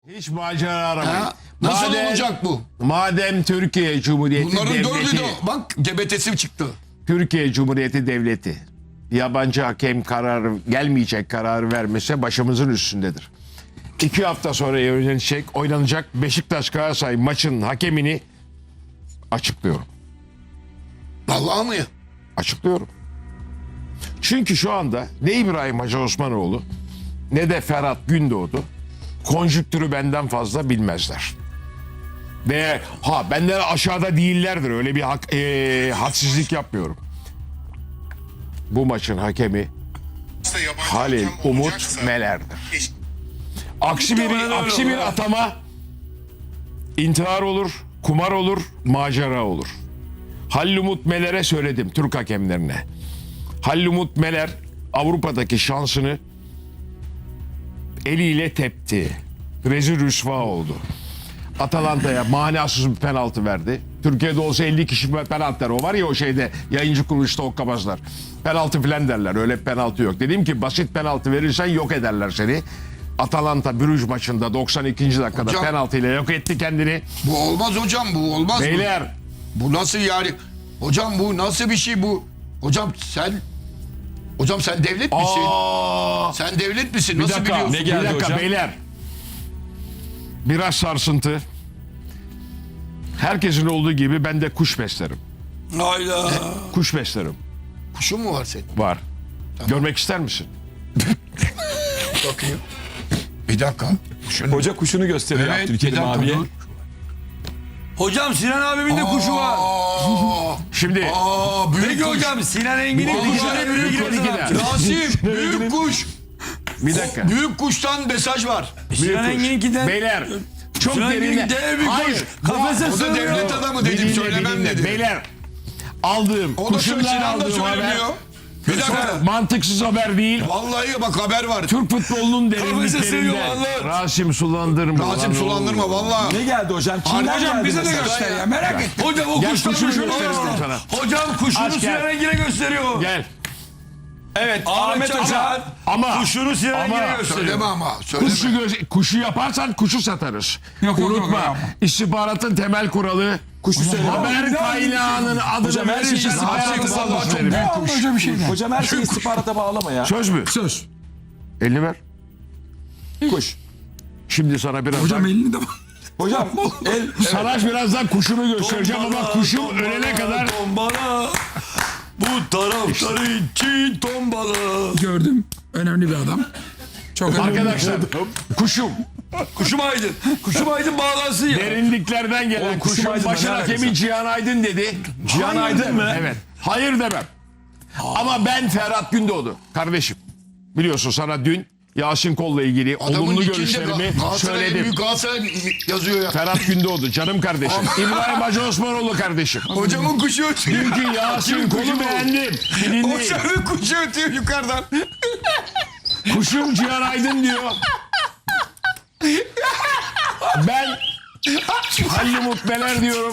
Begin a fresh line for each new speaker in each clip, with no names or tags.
Hiç macera aramayın.
Ha? Nasıl olacak bu?
Madem Türkiye Cumhuriyeti
Bunların dördü
Devleti,
de bak gebetesi çıktı.
Türkiye Cumhuriyeti Devleti yabancı hakem kararı gelmeyecek kararı vermese başımızın üstündedir. 2 hafta sonra oynanacak Beşiktaş Galatasaray maçın hakemini açıklıyorum.
Vallahi mı ya?
Açıklıyorum. Çünkü şu anda ne İbrahim Hacı Osmanoğlu ne de Ferhat Gündoğdu konjüktürü benden fazla bilmezler. Ve benden aşağıda değillerdir. Öyle bir hadsizlik yapmıyorum. Bu maçın hakemi Halil Umut Meler'dir. Aksi bir atama intihar olur, kumar olur, macera olur. Halil Umut Meler'e söyledim, Türk hakemlerine. Halil Umut Meler Avrupa'daki şansını eliyle tepti. Rezil rüsva oldu. Atalanta'ya manasız bir penaltı verdi. Türkiye'de olsa 50 kişi penaltı der. O var ya o şeyde yayıncı kuruluşta okkabazlar. Penaltı filan derler. Öyle bir penaltı yok. Dedim ki basit penaltı verirsen yok ederler seni. Atalanta Brüj maçında 92. dakikada
Hocam,
penaltıyla yok etti kendini.
Bu olmaz hocam, bu olmaz.
Beyler.
Bu nasıl yani? Hocam bu nasıl bir şey bu? Hocam sen devlet misin? Sen devlet misin?
Bir
Nasıl
dakika,
biliyorsun?
ne geldi
bir dakika
hocam?
beyler. Biraz sarsıntı. Herkesin olduğu gibi ben de kuş beslerim.
Hayda.
Kuş beslerim.
Kuşun mu var senin?
Var. Görmek ister misin?
Bakayım. Bir dakika.
Hoca kuşunu gösteriyor
Evet,
Abdülkerim
bir dakika
abiye.
dur.
Hocam Sinan abimin de kuşu var.
Şimdi
Büyük
Peki
kuş.
hocam Sinan Engin'in
Bu
kuşu
arada
ne
büyük
büyük
kuş.
gider.
Rasim, büyük kuş.
bir dakika.
Büyük kuştan mesaj var.
Sinan
kuş.
Engin'inkinden
Beyler çok
Sinan
derinde.
Engin'in dev bir
Hayır.
kuş. Kafese
O da
sığmıyor.
devlet adamı dedim,
Dinle,
söylemem
dinle.
dedi.
Beyler aldığım
O da
kuşumdan
Sinan da
aldığım haber
söylemiyor. Bir dakika.
mantıksız haber değil.
Vallahi bak haber var.
Türk futbolunun
Kafese sığıyor
derinliklerinde
vallahi.
Rasim sulandırma.
Rasim
lan
sulandırma
oğlum.
vallahi.
Ne geldi hocam? Kimden
Hocam
geldi
bize de
mesaj?
göster ya, merak et. Hocam o
Gel
kuşları
kuşunu
şöyle
gösteriyorum
göster.
sana.
Hocam kuşunu
Aç gel.
Sinan Engin'e gösteriyor.
Gel.
Evet
Ahmet
Ahmet hocam.
Hocam
Ama
kuşunu Sinan Engin'e gösteriyor.
Söyleme ama. Söyleme.
Kuşu yaparsan kuşu satarız.
Yok,
Unutma.
yok.
İstihbaratın temel kuralı
Kuşu söyleme.
haber kaynağının adını
Hocam, her şeyi
verirsen
istihbarata
hayatı
bağlı.
vallahi
Çok
verim.
Hocam bir şey değil.
Hocam her şeyi istihbarata bağlama ya.
Söz mü?
Söz.
Elini ver.
Kuş.
Şimdi sana birazdan
Hocam elini de
Hocam
sana birazdan kuşumu göstereceğim ama kuşum ölene kadar
Tombala. Bu taraftarı için tombala.
Gördüm. Önemli bir adam. Çok önemli.
arkadaşlar kuşum
Kuşum Aydın. Kuşum Aydın bağlansın ya.
derinliklerden gelen
Oğlum, kuşum
kuşum
Aydın'la
başın
ne alakası
hakemi
var?
Cihan Aydın dedi.
Cihan Aydın mı?
Evet. Hayır demem. Ama ben Ferhat Gündoğdu kardeşim. Biliyorsun sana dün Yasin Kol'la ilgili olumlu görüşlerimi söyledim.
Büyük Galatasaray yazıyor ya.
Ferhat Gündoğdu canım kardeşim. İbrahim Hacı Osmanoğlu kardeşim.
Hocamın kuşu ötüyor.
Dünkü Yasin Kol'u beğendim. Dinleyin.
Hocamın kuşu ötüyor yukarıdan.
Kuşum Cihan Aydın diyor. Ben Halil Umut Meler diyorum.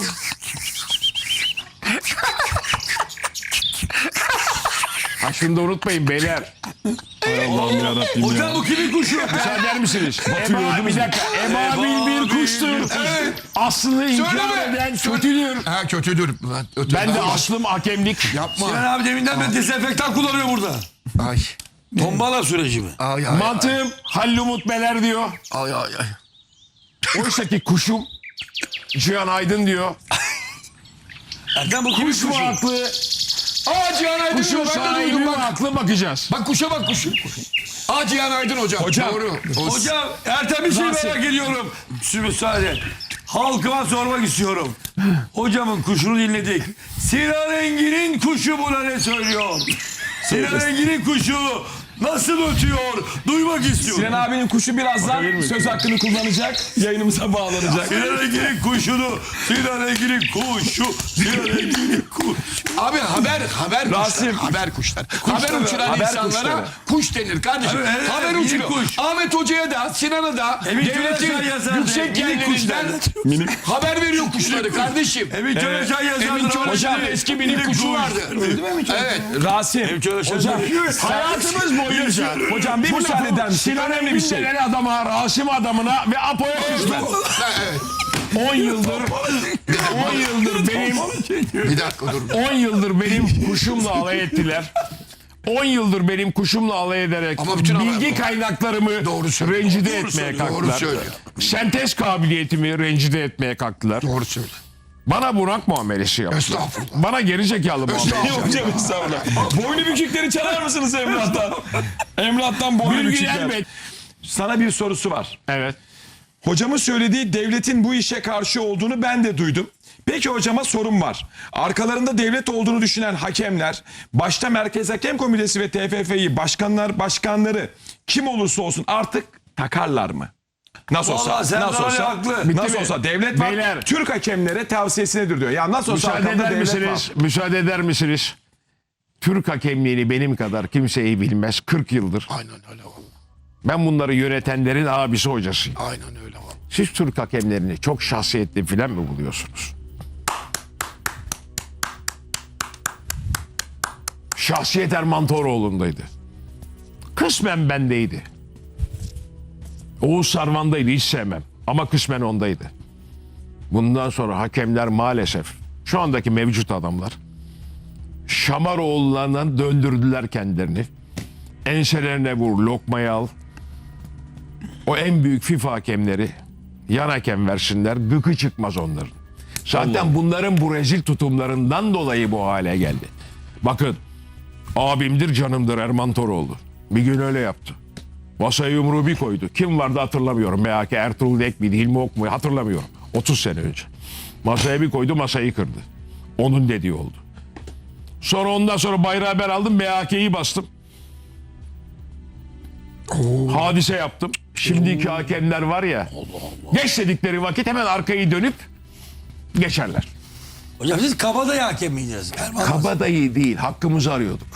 Ha şunu da unutmayın beyler.
Allah'ım yarabbim ya.
Hocam bu kimin kuşu?
Müsaade eder misiniz? Bir dakika. Ebabil bir kuştur. Aslını inkar
Söyleme.
eden kötüdür.
Ha kötüdür.
Ben de aslım hakemlik.
Yapma.
Sinan abi deminden ben dezenfektan kullanıyor burada.
Ay.
Tombala süreci mi?
Ay ay.
Mantığım Halil Umut Meler diyor.
Ay ay ay.
Oysa ki kuşum Cihan Aydın diyor.
Erkan bu kimin
Kuş mu
kuşu?
haklı?
Cihan Aydın
Kuşun
diyor, ben de
sahibi
duydum
mi
bak.
haklı bakacağız.
Bak kuşa bak kuşu. Cihan Aydın hocam.
Hocam.
Doğru.
Hocam Ertem bir şey merak ediyorum. Müsaade. Halkıma sormak istiyorum. Hocamın kuşunu dinledik. Sinan Engin'in kuşu buna ne söylüyor? Sinan Engin'in kuşu nasıl ötüyor? Duymak istiyorum.
Sinan abinin kuşu birazdan söz hakkını kullanacak. Yayınımıza bağlanacak.
Sinan Engin'in kuşunu, Sinan Engin'in kuşu, Sinan Engin'in kuşu.
Abi haber
Rasim.
kuşlar. Haber kuşlar. Haber uçuran
haber
insanlara
kuşları.
kuş denir kardeşim.
Evet, evet,
haber
minik
uçuruyor.
kuş.
Ahmet Hoca'ya da Sinan'a da
Emin
devletin
Köreşen yazardı.
yüksek
Minik kuş
yerlerinden haber veriyor kuşları kardeşim.
Emin Köreşen yazardı.
Emin Köreşen'in
Hocam,
eski minik kuşu vardı. Evet.
Rasim.
Köreşen
Hocam.
yazardı.
Hayatımız boyunca
Hocam bir
bu
müsaade
lafı
eder misin?
Sinan
Önemli bir şey.
Engin denen adama, Rasim adamına ve Apo'ya küstüm.
Ha, evet.
10 yıldır benim
Bir dakika dur.
10 yıldır benim kuşumla alay ettiler. 10 yıldır benim kuşumla alay ederek
Ama bütün
bilgi
haber-
kaynaklarımı
Doğru söylüyor.
rencide
Doğru
etmeye
söylüyor.
kalktılar.
Doğru söylüyor.
Sentez kabiliyetimi rencide etmeye kalktılar.
Doğru söyle.
Bana bunak muamelesi yaptılar.
Estağfurullah.
Bana gerizekalı muamelesi yaptılar.
Hocam estağfurullah. Boynu bükükleri çalar mısınız Emrah'tan? Emrah'tan boynu
Bilgi
bükükler.
elbet.
Sana bir sorusu var.
Evet.
Hocamın söylediği devletin bu işe karşı olduğunu ben de duydum. Peki hocama sorum var. Arkalarında devlet olduğunu düşünen hakemler, başta Merkez Hakem Komitesi ve TFF'yi başkanları kim olursa olsun artık takarlar mı? Nasıl olsa,
Vallahi Serdar
nasıl
Ali
olsa,
haklı.
nasıl
mi?
olsa devlet var.
Beyler.
Türk hakemlere tavsiyesinedir diyor. Ya nasıl olsa
Müsaade
arkamda
eder
devlet
misiniz?
var.
Müsaade eder misiniz? Türk hakemliğini benim kadar kimseyi bilmez. 40 yıldır.
Aynen öyle vallahi.
Ben bunları yönetenlerin abisi hocasıyım.
Aynen öyle vallahi.
Siz Türk hakemlerini çok şahsiyetli filan mı buluyorsunuz? Şahsiyet Erman Toroğlu'ndaydı. Kısmen bendeydi. Oğuz Sarvan'daydı, hiç sevmem. Ama kısmen ondaydı. Bundan sonra hakemler maalesef şu andaki mevcut adamlar Şamaroğullarından döndürdüler kendilerini. Enselerine vur, lokmayı al. O en büyük FIFA hakemleri yan hakem versinler, gıkı çıkmaz onların. Zaten bunların bu rezil tutumlarından dolayı bu hale geldi. Bakın, abimdir canımdır Erman Toroğlu. Bir gün öyle yaptı. Masaya yumruğu bir koydu. Kim vardı hatırlamıyorum. MHK Ertuğrul Ek miydi, Hilmi Ok muydu hatırlamıyorum. 30 sene önce. Masaya bir koydu, masayı kırdı. Onun dediği oldu. Sonra ondan sonra bayrağı ben aldım, MHK'yi bastım. Hadise yaptım. Şimdiki hakemler var ya, geç dedikleri vakit hemen arkayı dönüp geçerler.
Hocam siz kabadayı hakem miydiniz?
Kabadayı değil, hakkımızı arıyorduk.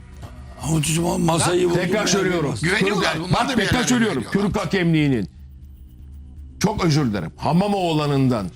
Ama masayı buldum.
Tekrar söylüyorum.
Güveniyorlar.
Türk-
Bunlar da
Bak
bir
tekrar
yerlere
söylüyorum.
güveniyorlar.
Türk hakemliğinin çok özür dilerim. Hamamoğlan'ından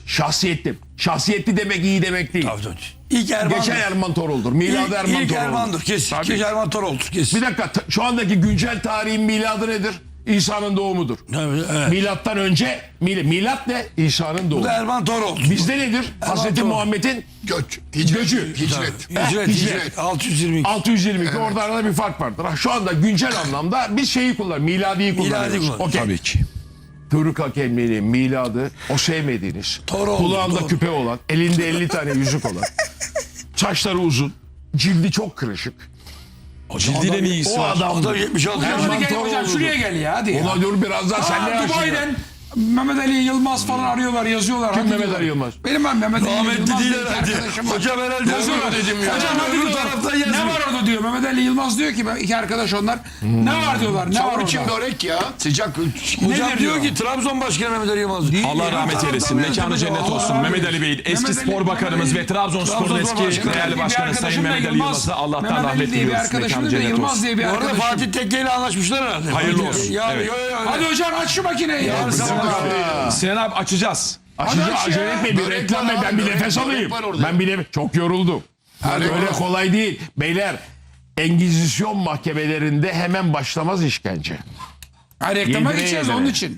şahsiyetli demek iyi demek değil.
İlk Erman.
Geçen Erman Toroğlu'dur. Miladı Erman
İlk
Toroğlu.
Erman'dır kesin.
Tabii.
İlk Erman Toroğlu'dur kesin.
Bir dakika, şu andaki güncel tarihin miladı nedir? İsa'nın doğumudur.
Evet.
Milattan önce milat ne? İsa'nın
Bu
doğumu.
da Erman Toroğlu.
Bizde nedir? Hazreti
Toroğlu.
Muhammed'in
Göç. Hicret.
Göcü.
Hicret.
Hicret.
Hicret.
622.
622. Orada arada bir fark vardır. Ha, şu anda güncel anlamda biz şeyi kullanıyoruz. Miladiyi kullanıyoruz.
kullanıyoruz.
Okey.
Tabii ki.
Türk hakemliğinin miladı o sevmediğiniz,
Toroğlu,
kulağında
doğru.
küpe olan, elinde 50 tane yüzük olan, saçları uzun, cildi çok kırışık.
Cildiyle ne ilgisi
O
var?
adam
O da 76
Erman
Hadi gel hocam
Toroğlu'dur.
şuraya gel ya hadi ya.
Ona dur birazdan sen ne
Dubai'den Mehmet Ali Yılmaz falan arıyorlar yazıyorlar.
Kim
hadi
Mehmet
diyorlar.
Ali Yılmaz?
Benim ben Mehmet Ali
Rahmetli
Yılmaz
değil
diye bir
herhalde.
arkadaşım var.
Hocam herhalde
Yazıyorlar.
dedim ya.
Hocam hadi
Öbür
diyorlar.
taraftan
Ne
yazıyor.
var orada diyor. Mehmet Ali Yılmaz diyor ki iki arkadaş onlar. Ne var diyorlar. Ne var
Çavur
orada?
içim börek ya. Sıcak.
Hocam
Nedir
diyor
diyor?
ki Trabzon Başkanı Mehmet Ali Yılmaz. Değil
Allah
ya.
rahmet eylesin. Mekanı cennet olsun. Mehmet Ali Bey'in eski
Mehmet Ali-
spor bakanımız ve Trabzonspor'un
Trabzonspor
eski
Başkanı.
değerli
Bir
başkanı Sayın
arkadaşım da
Mehmet Ali
Yılmaz.
Yılmaz'a Allah'tan
Mehmet Ali
rahmet
diye bir
diliyoruz.
arkadaşım
Mekanı
da
cennet
Yılmaz
olsun.
diye bir
Bu arada
arkadaşım.
Fatih Tekke ile anlaşmışlar herhalde.
Hayırlı olsun.
Ya,
Evet.
Hadi hocam aç şu makineyi ya.
Yarın sabah
Sinan abi açacağız.
Açıcı
Hadi aç
acele
ya.
etmeyin. Bir
Börek
reklam
var
ben
abi,
bir
börek-
nefes
börek
alayım.
var orada.
Ben bile çok yoruldum.
Börek
Öyle
var.
kolay değil. Beyler, Engizisyon mahkemelerinde hemen başlamaz işkence.
Ha, reklama
Yedire
gideceğiz
yedire.
onun için.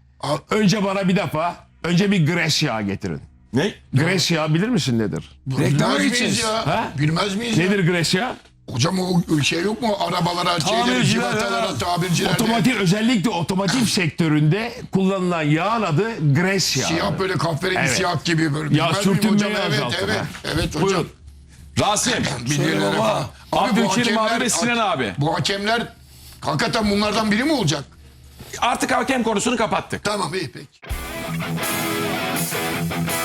Önce bana bir defa, önce bir gres yağı getirin.
Ne?
Gres yağı bilir misin nedir?
Reklama
Bilmez miyiz
gideceğiz.
ya?
Ha?
Bilmez miyiz ya?
Nedir gres yağı?
Hocam o şey yok mu? Arabalara, şeylere,
Tamirciler
civatalara,
ya.
tabircilere.
Özellikle otomotiv sektöründe kullanılan yağın adı gres yağı.
Siyah böyle kahverengi
Evet.
siyah gibi böyle.
Ya
Bilmez miyim
sürtünmeyi
hocam? Evet,
azaltır
evet.
ha.
Evet hocam.
Buyurun.
Rasim.
Bilirler
baba.
efendim. Abi bu
Abdülkerim abi
hakemler-
ve Sinan abi.
Bu hakemler hakikaten bunlardan biri mi olacak?
Artık hakem konusunu kapattık.
Tamam iyi peki.